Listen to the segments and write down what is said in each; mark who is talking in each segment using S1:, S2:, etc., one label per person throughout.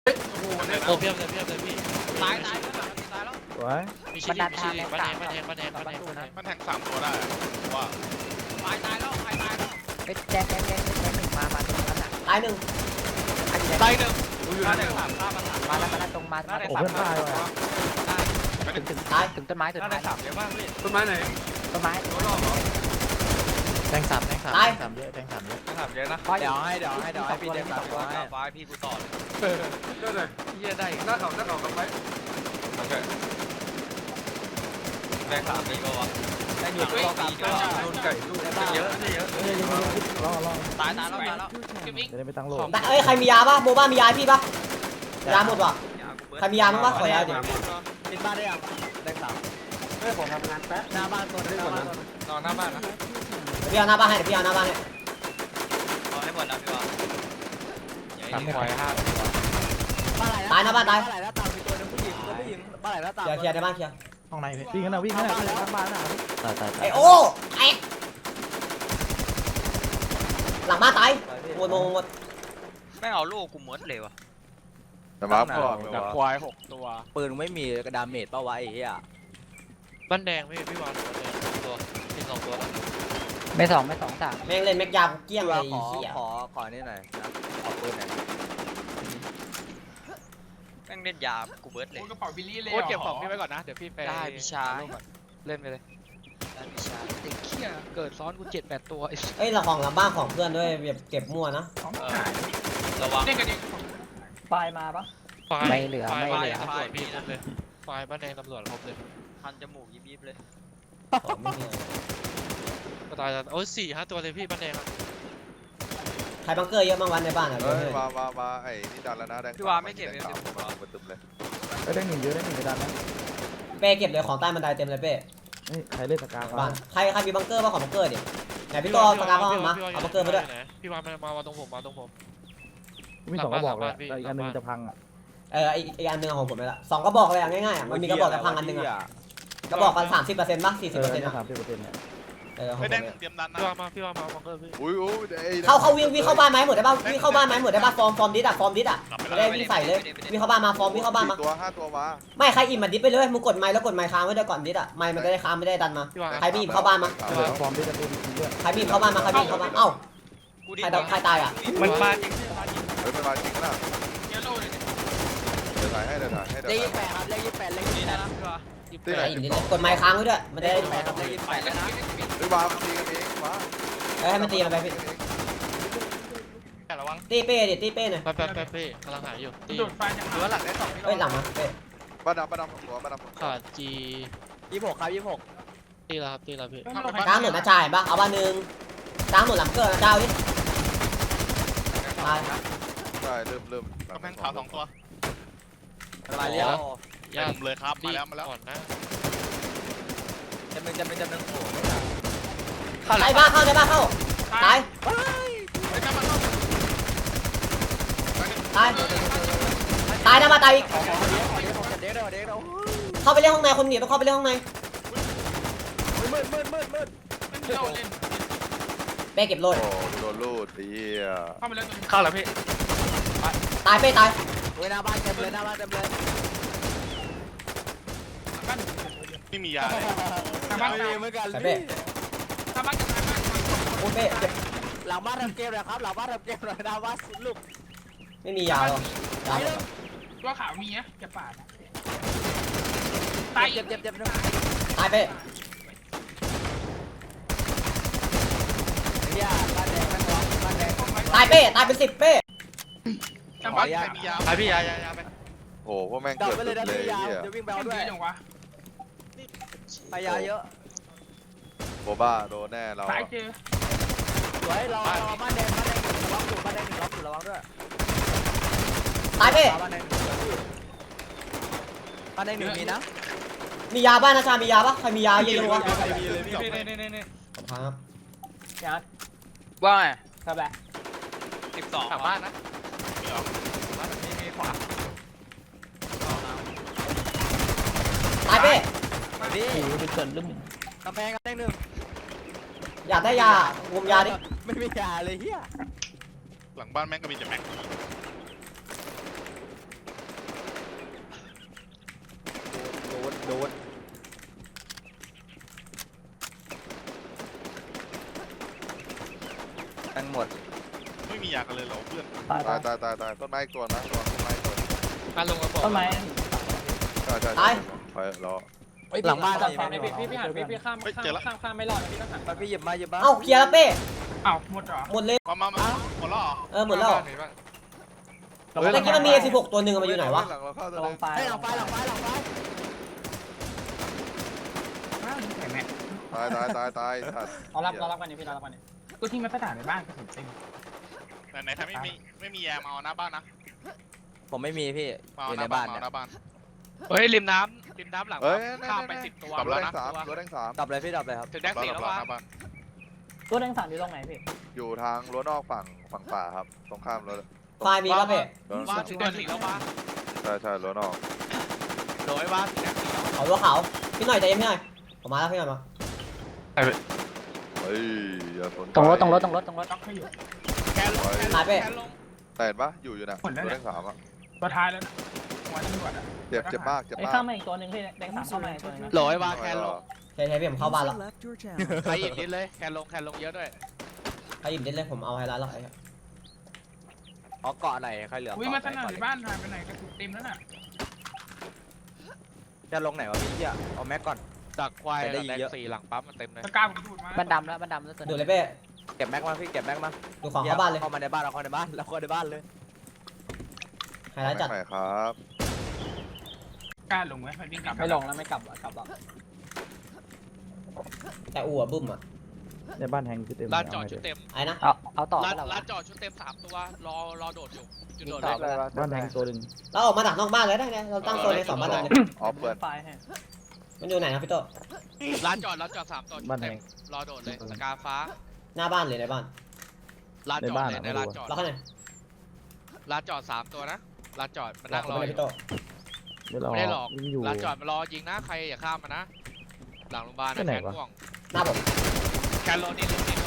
S1: โอ้เพียบเลยพี่
S2: ตายแล้ว
S3: สวย
S1: มีชิลิบ้านแดงมัน
S2: แทง3 ตัวได้ว่าตายแล้ว
S4: เป็นแจ็คหนึ่งมาตรงนั้นอ่ะ
S5: ตายหนึ่ง
S2: ตายหนึ่ง
S4: มาแล้วตรงมา
S3: โอ้เพื่อนตายว่ะ
S4: ถึงต้นไม้
S2: 3เยอะมากพี่
S6: ต้นไม้ไหน
S4: ต้นไม้
S1: แทงสามเยอะ
S2: 3เยอะนะ
S6: เดี๋ยวให้พี่เด็กตัดไว้
S2: ฟ้าพี่กูต่อเลย
S6: ได้เลย
S2: เฮียได้
S6: หน้าเขากับไว้
S2: โอเคแทง3มีป่าวะ
S6: ได้หยุดรอการโดนไก่ลูก
S2: เยอะ
S3: รอ
S2: ตายแล้วเก็บอีก
S3: จะได้ไม่ตั้งโล
S5: เอ้ยใครมียาป่ะโบบ้ามียาให้พี่ป่ะยาหมดว่ะใครมียามั้งป่ะขอยาดิ
S6: ปิดบ้านได้ยังได้สามเฮ้ยผมทำงานแป๊บหน้าบ้านตัวนึง
S2: นอนหน้าบ้านนะ
S5: พี่เอาหน้าบ้านให้เดี๋ยวพี่เอาหน้าบ้านให้
S2: เอาให้หมดแล้วพี่ว่าอย่าให้ควาย5
S5: ตายหน้าบ้านตาย
S6: บ้านไหนหน้าต่างมีตัวนึงผู้หญิงบ้านไหนหน้าต่าง
S5: เคลียร์ในบ้านเคลียร์
S1: ห้องในพี่
S3: วิ่งกันนะวิ่งกันนะข้างบ้านนะ
S1: ตาย
S5: ไอโอ้ไอหลังบ้านตายหมด
S2: ไม่เอาลูกกูหมดเลยวะ
S7: แต่มาพอด
S2: จากควาย6 ตัว
S6: ปืนไม่มีกระดาเมจป่าวะไอ้เหี้ย
S1: บ้านแดงพี่วางตัวที่2ตัว
S4: ไม่สองสาม
S5: แม่งเล่นแม็กยาเกี้ยงเลย
S6: ขอนี่หน่อยนะขอปืนหน่อย
S2: แม่งเล่นยากูเบิร์ดเลย
S8: กระเป๋าบิลลี่เลย
S1: โอ้เก็บของพี่ไว้ก่อนนะเดี๋ยวพี่ไป
S2: ได้พี่ชาย
S1: เล่นไปเลย
S2: ได้พี่ชาย
S1: ไอ้เขี้ยเกิดซ้อนกู7-8 ตัว
S5: เอ้ยเราของหลังบ้านของเพื่อนด้วยแบบเก็บมั่วนะ
S2: ระวัง
S8: เล่นกันดิ
S4: ไม่เหลือ
S1: ตำรวจพี่ครบเลยไฟบ้านแดงตำรวจครบเลย
S2: พันจมูกยิบเลย
S5: ของไม่มี
S1: ก็ตายแล้วโอ้4-5 ตัวเลยพี่บ้านแดง
S5: ใครบังเกอร์เยอะบ้างวันในบ้านอ่ะ
S7: เฮ้ยมาไอ้นี่ดันแล้วนะแดง
S2: พี่ว่าไม่เก็บ
S7: แดงขาวมาตึมเลย
S3: ได้หนึ่งเยอะได้หนึ่งกระดานนะ
S5: เป้เก็บเลยของใต้บันไดเต็มเลยเป้
S3: นี่ใครเล่นสกา
S5: บ้านใครมีบังเกอร์บ้างของบังเกอร์ดิไหนพี่ตัวปากกาเข้ามาเอาบังเกอร์มาด้วย
S1: พี่วางมาตรงผม
S3: มี2กระบอกเลยแต่อีกอันนึงจะพังอ่ะ
S5: อีกอันนึงของผมเลยละ2กระบอกเลยง่ายๆมันมีกระบอกแต่พังอันนึงอ่ะกระบอกกัน30%ป่ะ40%
S3: เนี่ย
S5: อ่ะ
S3: 30%เนี่ย
S5: ของผม
S2: เตรียมดันนะ
S1: พี่วางมาบังเกอร์พี่
S7: อุ้ย
S5: เข้าวิ่งเข้าบ้านไหมหมดได้ป่ะวิ่งเข้าบ้านไหมหมดได้ป่ะฟอร์มดิสอ่ะได้วิ่งใส่เลยวิ่งเข้าบ้านมาฟอร์มวิ่งเข้าบ้านมา
S7: ตัว5 ตัวมา
S5: ไม่ใครอิ่มมาดิสไปเลยมึงกดไม้แล้วกดไม้ค้างไว้ด้วยก่อนดิสอ่ะไม้มันจะได้ค้างไม่ได้ดันมาใครไม่อิ่มเข้าบ้านมา
S3: เหลือฟอร์มที่จะพูดด้วย
S5: ใครไม่อิ่มเข้าบ้านมาใครไม่อิ่มเข้าบ้านเอ้าใครตายอ่ะ
S2: มันมาจริง
S7: เฮ้ยมันมาจริงนะ
S8: เยลโล่เลย
S7: เดี๋ยวถ่ายให้
S6: เลข28ครับเลข28เลข
S2: นี่นะพี่ว่า
S7: ที่ไหน
S5: ไอ้อิ่มดิกดไม้ค้างไว้ด้วยมันจะได้
S6: 28ครับเลข28แล้วนะ
S7: เฮ้ยวางตีกันเองวะ
S5: ให้มันตีมันไปพี่
S2: ระวัง
S5: ตีเป้ดิตีเป้หน่อย
S1: แป๊บพี่กำลังหาอยู่ตี
S8: โดดไฟจาก
S2: หรือว่าหลังได้2พี่
S5: เอ้ยหลังมาเป้
S7: บ้านดำหัวบ้านดำ
S1: ขาด G
S6: 26ครับ26
S1: ตีแล้วพี่
S5: กลางหนุนนะจ่ายป่ะเอาบ้านหนึ่งกลางหนุนหลังเกิดนะเจ้าดิตาย
S7: ใช่เริ่ม
S2: กำแพงขาว2 ตัว
S6: มาเรียก
S1: ยาก
S2: เลยครับ
S1: ดี
S2: มาแล้ว
S1: ก่อนนะ
S6: จำเป็นโอ้
S5: ไอ้บ้าเข้าได้บ้าเข้าตายตายนะมาตายอีก
S6: เด็กเรา
S5: เข้าไปเล่นห้องในคนหนีต้องเข้าไปเล่นห้องใน
S6: มืด
S8: เล่นโล่เล่น
S5: เป้เก็บโลด
S7: โอ้โดนลูดดีอ่ะ
S8: เข้าไปแล้วตัวนึง
S2: เข้าแล้วพี่
S5: ตายเป้ตาย
S6: หน้าบ้านเต็มเลย
S8: บ้าน
S2: ไม่มียาเลย
S8: ทางบ้าน
S6: เหมือนกัน
S5: ใส่เป้
S8: ทางบ้านกับทางบ้าน
S5: โอ้เป้เก็บ
S6: หลังบ้านทำเกมเลยครับหลังบ้านทำเกมเลยหน้าบ้านลูก
S5: ไม่มียาหรอกยาหมด
S8: ตัวขาวมีนะจะปาดตาย
S6: เจ็บ
S5: ตายเป้
S6: เนี่ยบ้านแดงบ้านแดง
S5: ตายเป้ตายเป็น10เป้
S8: ทางบ้าน
S2: มียาพี่ยาไป
S7: โอ้พวกแม่ง
S6: ดับ
S7: เกิด
S6: ไปเลยนะ
S7: เลย
S6: พี่ยาว
S7: เนี่ย
S6: เดี๋ยววิ่งไป
S8: เอา
S6: เอา
S8: ด้
S6: ด้
S8: ว
S6: วย ย
S8: จังวะ
S6: พยาเยอะ
S7: โบบ้าโดนแน่เรา
S8: สายเจอ
S6: สวยเราบ้านแดงล็อกอยู่บ้านแดงล็อกอยู่ระวังด้วย
S5: ตายเป้
S6: บ้านแดง1มีนะ
S5: มียาบ้านนะชามียาปะใครมียาเยอะๆวะ
S2: นี่
S5: ครับ
S2: ว่าไง
S6: ครับแบบ
S2: 12
S1: กลับบ้านนะ
S2: มีขวา
S5: ตายเป้
S6: นี่
S4: เป็นส่วนลุ่ม
S6: กำแพงกำแพง1
S5: อยากได้ยางมยาดิ
S6: ไม่มียาเลยเฮีย
S2: หลังบ้านแม่งก็มีแต่แม็กโดนทั้งหมด
S9: ไม่มียากันเลยเหรอเพื่อน
S3: ตาย
S7: ตา
S3: ตาย ย
S7: ตายตายตายต้นไม้อีกตัวนะต้นไม้อีกตัว
S1: มาลงกระบอก
S6: ต้นไม้
S7: ใช่ใช่
S5: ตาย
S7: ไปรอ
S2: หลังบ้าน
S6: จั
S2: เรา
S6: บฝั่งนี้พี่หันพี่ข้ามข้ามไม่รอดพี่ต้องหัน
S2: ไปพี่หยิบมาหยิบมา
S5: เอ้าเคลียร์แล้วเป้
S8: อ้าวหมดเหรอ
S5: หมดเลย
S9: มาหมดแล้วเหรอ
S5: หมดแล้ว
S1: เห็นปะ
S5: เมื่อกี้มันมี 16 ตัวหนึ่งมันอยู่ไหนวะ
S7: หลังเราเข้าตัว
S6: ระ
S7: นึ
S6: วัง
S7: ง
S6: ไฟ
S2: ให้หลังไฟ
S8: อ้าวแข็งแม่
S7: ตายสัตว์
S6: เรารับกันนี่พี่เรารับกันนี่
S8: กูทิ้งไว้กระดาษในบ้านกระสุนเต็ม
S9: ไหนถ้าไม่มียามาเอาหน้าบ้านนะ
S2: ผมไม่มีพี่
S9: มา
S2: อ
S9: เอา
S2: ยู่
S9: ห
S2: ใน
S9: น้า
S2: บ้า
S9: บ้าน น
S2: เนี่ย
S9: หน้าบ้าน
S1: เฮ้ยริมน้ำหลัง
S7: เฮ้ย
S1: ข้ามไป10 ตัว
S7: รถแดงสามรถแดงสาม
S2: ดับเลยพี่ดับเลยครับ
S1: ถึงแดง
S9: บ้าน
S1: 4
S9: ห
S1: แล้ววะ
S9: น้าบ้าน
S6: ตัวแดงสั่งอยู่ตรงไหนพี่
S7: อยู่ทางรั้วนอกฝั่งป่าครับตรงข้ามรถ
S5: ไฟล์มีแล้วเป้
S1: ว่าถึงแดง4แล้ววะ
S7: ใช่รั้วนอก
S1: โดยว่าถึงแดง4แล้ว
S5: เขาตัวขาวพี่หน่อยใจเย็นพี่หน่อยผมมาแล้วพี่หน่อยมา
S7: เฮ้ยอย่าสน
S4: ตรงรถ
S8: ล็อกให้อยู่
S1: แคนลง
S5: ตายเป้
S1: แคนลง
S7: แต่เห็นปะอยู่นะรถแดงสามอ่ะ
S8: ตัวท้ายแล้วนะหัวตำรวจอ่ะ
S7: เจ็บมาก
S6: ไอ้ข้ามมาอีกตัวหนึ่งพี่แดงสั่งเข้ามาอีกตัวนึง
S1: โหลยว่าแคนลง
S5: ใช่พี่ผมเข้าบ้านแล้ว
S1: ใครหยิบนิดเลยแคนลงเยอะด้วย
S5: ใครหยิบเด็ดเลยผมเอาไฮไลท์แล้วไอ้
S2: เอาเกาะไหนใครเหลือ
S8: วิ่งมาสนั่นในบ้านหายไปไหนกระสุนเต็มแล้วน่ะ
S2: จะลงไหนวะพี่เหี้ยเอาแม็กก่อน
S1: ดักควาย
S2: ได้
S1: แดง
S2: เยอะ
S1: 4หลังปั๊มมันเต็มเลย
S8: ตะกร้าผมดูดมา
S4: บ้านดำแล้วตัว
S5: ดู
S4: นึง
S5: เลยเป้
S2: เก็บแม็กมาพี่เก็บแม็กมา
S5: ดูของเข้าบ้านเลย
S2: เข้ามาในบ้านเราเข้าในบ้านเราเข้าในบ้านเลย
S5: ไฮไลท์จัด
S7: ไหนครับ
S8: กล้าลงไหมวิ่งกลับ
S6: ไม่ลงแล้วไม่กลับกลับ
S5: แต่อู่อะบึ้มอะ
S3: ในบ้านแฮงคือเต็ม
S1: ลานจอดชุดเต็ม
S5: ไอ้นะ
S4: เอาต่อ
S1: ลานจอดชุดเต็ม3ตัวรอโดดอยู่จุดโดด
S4: ต่อ
S1: เลย
S3: บ้านแฮงตัวหนึ่ง
S5: เราออกมาดักนอกบ้านเลยได้ไงเราตั้งโซนใน2บ้านนั้นเลย
S7: ออฟเปิด
S6: ไฟให้
S5: มันอยู่ไหนนะพี่โต
S1: ลานจอด3ตัวชุดเต็มรอโดดเลยสกาฟ้า
S5: หน้าบ้านหรือในบ้าน
S1: ลานจอดเลยในลานจอด
S5: เราข้างใน
S1: ลานจอด3ตัวนะลานจอดมัน
S5: เรา
S1: นั่งร
S5: เข้า
S1: อ
S5: ไป
S1: อ
S5: พี่
S1: ยู่
S5: โต
S1: ไม่ได้หลอก
S3: วิ่งอยู่
S1: ลานจอดมันรอยิงนะใครอย่าข้ามมานะหลังโรงพยาบาล
S3: ไป
S1: นะ
S3: ไหน
S1: แคน
S3: วะ
S1: ม่วง
S5: หน้าผม
S1: แคนโรนิน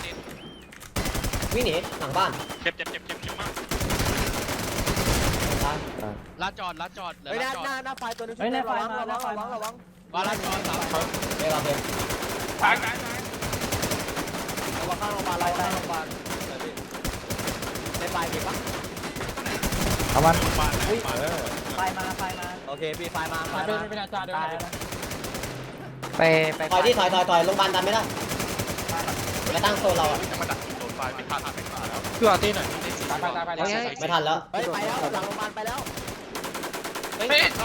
S5: วิ่งหนีหลังบ้าน
S9: เจ็บมาก
S5: ตาย
S1: ลานจอดเหลือ
S2: เฮ้ย
S1: ลานจอด
S2: หน้าไฟตัวนึง
S6: เฮ้ยในไฟ
S2: ระ
S6: มาในไฟ
S2: วัง
S6: มา
S2: ระวัง
S1: ว่าลานจอด3ตัว
S5: เดี๋ยวเราเดิน
S8: ตาย
S2: ระวังข้างโรงพยาบาลเราข้างโรงพยาบาลในไฟมีปะ
S3: เอามัน
S9: บ้าน
S6: ไฟมา
S2: โอเคพี่ไฟมา
S6: ไฟเป็นอาจารย์เดินไป
S4: ไป
S5: ถอยที่ถอยโรงพยาบาลดันไม่ได้ไปตั้งโซนเราอะ
S9: จะมาดักโดนไฟไม่พลาดไม่พลาดแล้ว
S1: พี่วาตีหน่อย
S6: ไป
S5: ไม่ทันแล้ว
S2: เฮ้ยไปแล้วหลังโรงพยาบาลไปแล้ว
S1: เฮ้ยเข้า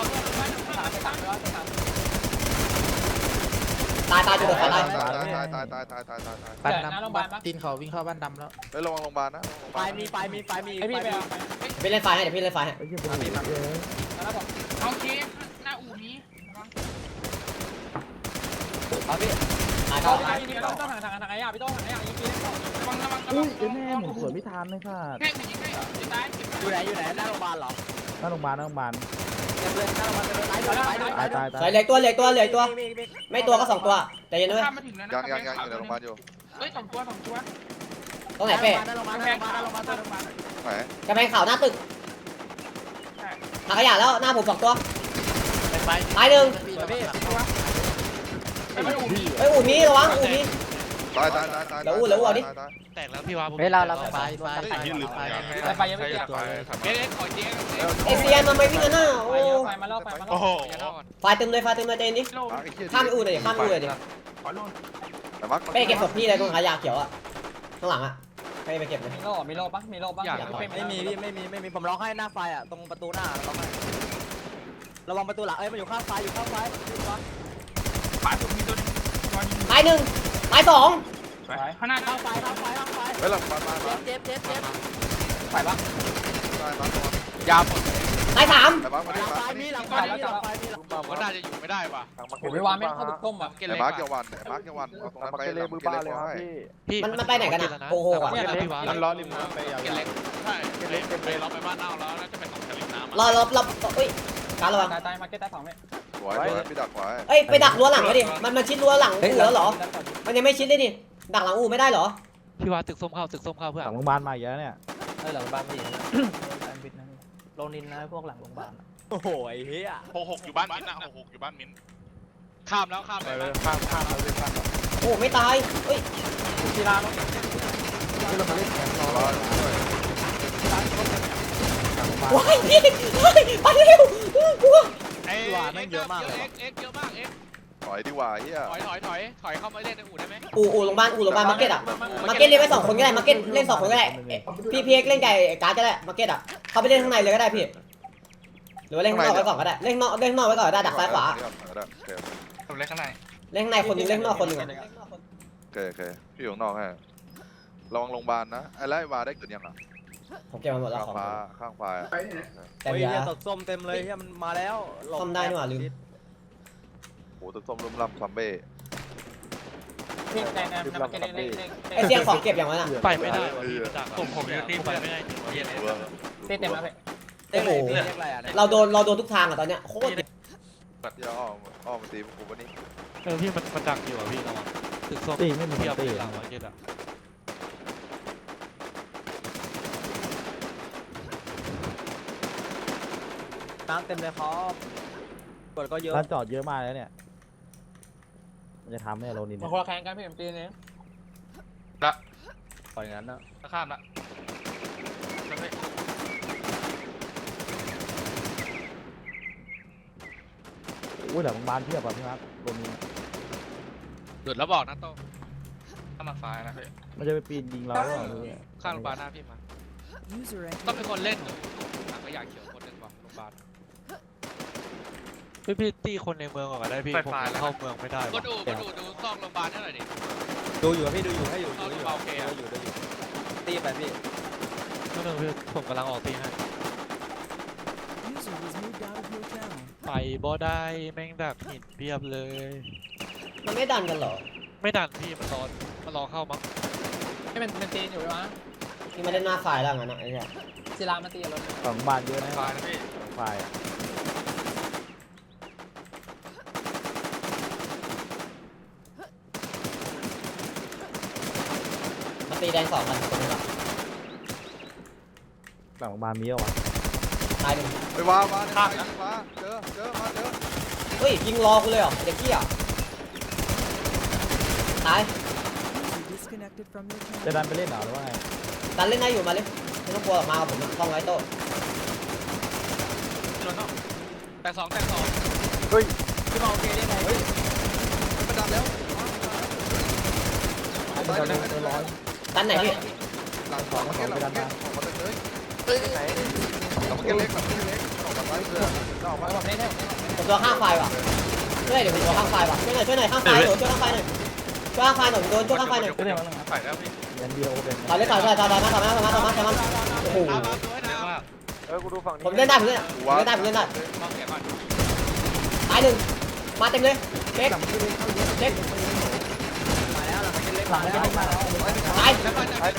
S5: ตายจุดเดือดตาย
S7: ตาย
S3: บ้านด
S6: หน้าโรงพยาบาลปะ
S3: ำตีนเขาวิ่งเข้าบ้านดำแล้ว
S7: เฮ้ยระวังโรงพยาบาลนะ
S2: ไฟมี
S6: ไอพี่ไปเอา
S5: พี่เล่นไฟให้เดี๋ยวพี่เล่นไฟให้
S3: ไอ้เหี้ยเป็นหนีเยอะ
S6: แล้วผม
S8: เอาเคฟหน้าอู่นี้
S2: เอาพี่
S5: ตาย
S6: ต้
S5: เข้า
S6: องทางไอ้ยาพี่ต้องทางไอ้ยายิงปีเล่น
S8: ระวัง
S3: อุ้ยไอ้แม่หมุนสวนไม่ทันเลยค่ะ
S8: แค่หนึ่งยิงให้จะตาย
S2: อยู่ไหนหน้าโรงพยาบาลเหรอ
S3: หน้าโรงพยาบาล
S2: เต็มเลยหน้าโรงพยาบาลเต็มเลย
S3: ตายตาย
S5: ใส่เหล็กตัวไม่ตัวก็2ตัวใจเย็นด้วย
S8: ข้ามมาถึงแล้วนะ
S7: ยังอยู่ในโรงพยาบาลอยู่
S8: เฮ้ย2 ตัว
S5: ตรงไหนเป้
S2: หน้าโรงพยาบาล
S8: แพงขาลงมาตัวลงมา
S7: ไหน
S5: กระแพงขาวหน้าตึกถังขยะแล้วหน้าผม2ตัวตายหนึ่ง
S2: พี่
S8: ไปไม่อู่นี้
S5: เฮ้ยอู่นี้ระวังอู่นี้
S7: ตาย
S1: แตกแล้วพี่วา
S4: เฮ้ยเราไป
S6: ไฟยังไม่เกี่ยว
S1: เอ๊ะขอเจ๊
S5: เอเซียนมันไม่วิ่งกันหน้าโอ้
S6: ไฟมาล่อ
S9: โอ้โห
S5: ไฟเต็มเลยใจเย็นดิ
S8: โล
S5: ข้ามไปอู่เลยข้ามไปอู่เลยดิ
S8: ขอโล
S7: แต่มัก
S5: เป้เก็บศพพี่เลยตรงขายาเขียวอะข้างหลังอะเป้ไปเก็บเลย
S6: มีโล่ปะ
S2: ไม่มีผมร้องให้หน้าไฟอ่ะตรงประตูหน้าร้องให้ระวังประตูหลังมันอยู่ข้างไฟ
S8: ปาสุดมีตัวนึงตัวยิง
S5: ตายหนึ่งตายสอง
S8: ข้างหน้า
S2: ข้างไฟ
S7: เฮ้ยหลังบ้านมา
S2: เจ็บ
S6: ไฟปะ
S7: ตายมาย
S1: าวหมด
S5: ตายสาม
S7: แต่มักมา
S2: หลังไฟมีหลังไฟ
S1: ผมก็น่าจะอยู่ไม่ได้ว่ะ
S6: ผมไม่วางไม่เข้าบุกต้มอ่ะ
S1: เกล
S7: ไอ้
S1: เล็ก
S7: มาร์กเกี่ยววันไอ้มาร์กเกี่ยววันเอาตรงนั้นไปหลังเกเรขอให้
S1: พี่
S5: มันไปไหนกันอะโกหกอะ
S1: พี่วา
S9: มันล้อริมน้ำไปยาว
S1: เกลเล็ก
S9: ใช่เล็กไปเราไปบ้านเอาแล้วน่าจะไปตรงทะเลน้ำ
S5: รอเอ้ยการระวัง
S6: ตายมาเก็ตตาย2เมตร
S7: สวยพี่ดักไว้
S5: เอ้ยไปดักรั้วหลังไว้ดิมันชิดรั้วหลังอู่แล้วเหรอมันยังไม่ชิดเลยดิดักหลังอู่ไม่ได้เหรอ
S1: พี่วาตึกส้มเข้าเพื่อ
S3: หลั
S1: น
S3: งโรงพยาบาลมาอีกแล้วเนี่ย
S6: หลังบ้านพี่ลงนินนะพวกหลังโรงพยาบาล
S2: โอ้โหไอ้เหี้ย
S9: 66อยู่บ้านมิ้นท์นะ66อยู่บ้านมิ้นท์ข้ามแล้วข้ามไปเลย
S6: ข้ามเราเลยข้าม
S5: โอ้ไม่ตายเฮ้ย
S6: กีฬาเราที่เรามาเล่นแข่งรอ
S5: ว้ายพี่เฮ้ยไปเร็วกลัว
S9: เอ็กเยอะมากเอ็ก
S7: ถอยดีกว่าเฮีย
S9: ถอยเข้ามาเล่นในอู่ได้ไหม
S5: อู่โรงพยาบาลมาร์เก็ตอ่ะมาร์เก็ตเล่นไป2 คนก็ได้มาร์เก็ตเล่น2 คนก็ได้พี่เอ็กเล่นไก่การ์ดก็ได้มาร์เก็ตอ่ะเขาไปเล่นข้างในเลยก็ได้พี่หรือว่าเล่นข้างนอกไว้ก่อนก็ได้เล่นข้างนอกไว้ก่อนได้ดักซ้ายขวา
S9: ผมเล่นข้างใน
S5: เล่นข้างในคนนึงเล่นข้างนอกคนนึงอ่ะ
S7: โอเคพี่อยู่ข้างนอกให้ระวังโรงพยาบาลนะไอ้ไล่วาได้เกิดยังอ่ะ
S5: ผมเก็บมาหมดแล้ว
S7: ข้าง
S5: ของ
S7: ฟ้าข้างฟ้า
S5: แต่
S2: เฮ้ย
S5: ยา
S2: เนี่ยตดส้มเต็มเลยเฮียมันมาแล้วหลบ
S5: ซ่อมได้นี่หว่าลืม
S7: โอ้ตึกส้มลุ่มล่ำซัมเบ้
S6: เล่นแต่น้ำมันจะเล่น
S5: ไอเสียงของเก็บอย่างนั้นอ่ะ
S1: ไปไม่ได้ว่ะพี่มาจากผมอยู่ที่ไปไม่ได้จริงวะ
S6: เต้นเต็มแล้ว
S2: เต้นเลยเรียกอะไรอ่ะเนี่ย
S5: เราโดนทุกทางอ่ะตอนเนี้ยโคตร
S7: เดี๋ยวอ้อมมาตีผมวันนี้
S1: พี่มันดักอยู่อ่ะพี่ระวังตึกส้ม
S3: ตีไม่มี
S1: เทียบ
S3: ตี
S1: หลังมาร์เก็ตอ่ะ
S2: น้ำเต็มเลยครับกดก็เยอะ
S3: ร้านจอดเยอะมากแล้วเนี่ยมันจะทำให้โรนิน
S6: มา
S3: เนี่ย
S6: คนละแข่งกันพี่ผมตีเนี่ย
S2: ปล่อยงั้นนะ
S9: ข้ามละ
S3: อุ้ยหลังบ้านเพียบอ่ะพี่ครับโรนิน
S9: หลุดแล้วบอกนะโต้ข้ามมาซ้ายนะพี่
S3: มันจะไปปีนยิงเราหรือเปล่าไม่รู้เนี่ย
S9: ข้ามโรงพยาบาลหน้าพี่มาต้องเป็นคนเล่นถังขยะเขียวคนหนึ่งว่ะโรงพยาบาล
S1: พี่ตีคนในเมืองก่อนก็ได้พี่ผมเข้าเมืองไม่ได้
S9: ก็ดูดูซองโรงพยาบาลให้หน่อยดิ
S2: ดูอยู่พี่ดูอยู่ให้อยู่
S9: ซอง
S2: ดู
S9: โรง
S2: อ
S9: พ
S2: ยู่
S9: ยาบาลโอเค
S2: ดูอยู่ตีไปพี่
S1: ก็นึงพี่ผมกำลังออกตีให้ไปบ่ได้แม่งดักหินเพียบเลย
S5: มันไม่ดันกันเหรอ
S1: ไม่ดันพี่มันรอเข้ามั้ง
S6: ให้มันตีอยู่วะ
S5: ที่มาเล่นหน้าฝ่ายแล้วงั้นนะไอ้เนี่ย
S6: ศิลามาตีรถ
S3: หลังบ้านเยอะนะ
S9: ซ้ายนะพี่
S3: หลังไฟอ่ะ
S5: มาตีแดง2 กันคนนึงอ่ะ
S3: หลังบ้านมีเหรอวะ
S5: ตายหนึ่ง
S7: ไปวาวาในไฟฟ้าเจอมาเจอ
S5: เฮ้ยยิงรอกูเลยเหรอเด็กกี้อ่ะตาย
S3: จะดันไปเล่นเหรอหรือว่าไง
S5: ดันเล่นได้อยู่มาเลยไม่ต้องกลัวหรอกมากับผมต้องไว้โต๊ะ
S9: แต่สอง
S6: พี่มาโอเคได้ไหม
S7: มันดันแล้ว
S3: จะเล่นเจอร้อย
S5: ดันไหนพี่
S7: หลังสองมาเก็ตหลังเก็ตออกมาเลยไหนหลังเก็ตเล็กออกมาเพื่อนออกมา
S6: ผมเล่นได้
S5: ผมตัวข้างไฟว่ะช่วยเดี๋ยวผมตัวข้างไฟว่ะช่วยหน่อยข้างไฟหนูช่วยข้างไฟหน่อยช่วยข้างไฟหน่อยโดนช่วยข้างไฟหน่อย
S3: ก็เรียกว่า
S9: ใส่แล้วพี่
S3: ยันเดียวเป็น
S5: ต่อเลยต่อมาโอ้โห
S9: ตามมาตัวให้นะ
S6: กูดูฝั่งนี้
S5: ผมเล่นได้ผมเล่นได้
S9: มองเสียก่อน
S5: ตายหนึ่งมาเต็มเลยเล็ก
S2: มาแล้วหลังเล็กมาแล้ว
S5: ตาย
S9: แล้วมันจะ
S5: ตาย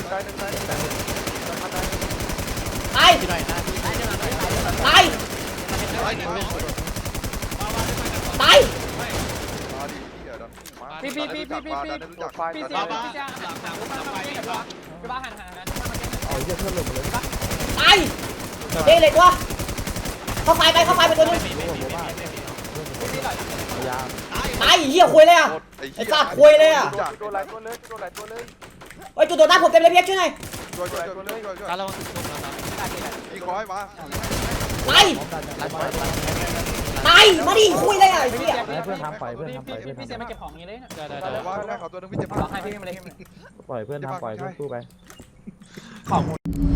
S1: ที่ไหนหน้าพี่
S5: ตาย
S7: ร้อยหนึ่ง
S5: ตาย
S7: มาดิพี่ดันมา
S6: พี่
S7: รู้จัก
S6: พี่เสียพี่จะหลังไปพี่บ้าหันนะ
S3: เอาเยอะเพิ่มลงไปเลย
S5: ตายเด็กเล็กวะเข้าไฟไปตัวนึง
S3: พยายาม
S5: ตายเหี้ยคุยเลยอ่ะ ไอ้สัตว์คุยเลยอะ
S6: ตัวหลายตัวเลยตัวหลายตัวเลย
S5: เฮ้ยจุดโดนหน้าผมเต็มเลยเพียกช่วยหน่อย
S7: ช่วย
S1: การระวังตึกส้มนะครับ
S7: พี่คอยมา
S5: ตายตายมาดิคุยเลยอ่ะไอ้เหี้ย
S3: ให้เพื่อนทำไปเพื่อนทำไปเพื่อน
S6: พี่เสีย
S3: ทำ
S6: มา
S3: ไป
S6: เก็บของนี้เลยนะ
S1: ได้
S7: ว่าแม่เขาตัวนึงพี่เจ็บ
S6: ร้องไห้พี่มาเลย
S3: ปล่อยเพื่อนทำปล่อยเพื่อนสู้ไป
S6: ของ